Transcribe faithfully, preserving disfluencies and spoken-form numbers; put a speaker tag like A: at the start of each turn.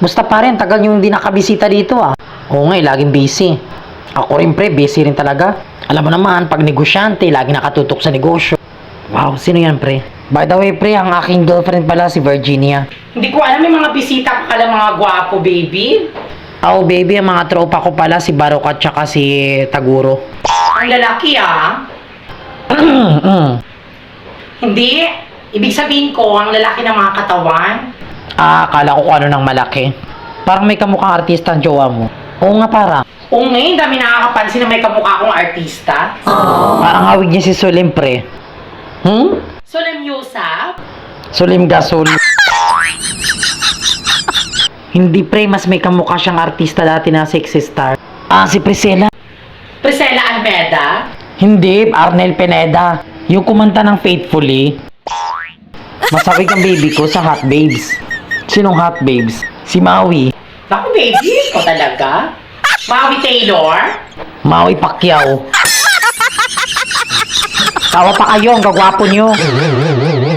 A: Musta pa rin, tagal yung hindi nakabisita dito ah. Oo nga, eh, laging busy. Ako rin pre, busy rin talaga. Alam mo naman, pag negosyante, lagi nakatutok sa negosyo. Wow, sino yan pre? By the way pre, ang aking girlfriend pala si Virginia.
B: Hindi ko alam, may mga bisita ka pala mga gwapo, baby.
A: Oh baby, ang mga tropa ko pala si Barok at saka si Taguro.
B: Ang lalaki ah. Hindi. Ibig sabihin ko, ang lalaki ng mga katawan.
A: Ah, akala ko kung ano ng malaki. Parang may kamukhang artista ang jowa mo. Oo nga parang.
B: Oo ngayon, dami nakakapansin na may kamukha akong artista.
A: Parang hawig niya si Sulim pre. Hmm?
B: Solemn Yusuf?
A: Sulim Gasol. Hindi pre, mas may kamukha siyang artista dati na sexy star. Ah, si Priscilla.
B: Priscilla Almeda?
A: Hindi, Arnel Pineda. Yung kumanta ng Faithfully. Masawig ang baby ko sa Hot Babes. Sinong Hot Babes? Si Maui.
B: Naku, baby, ko talaga. Maui Taylor?
A: Maui Pacquiao. Tawa pa kayo, ang gagwapo nyo.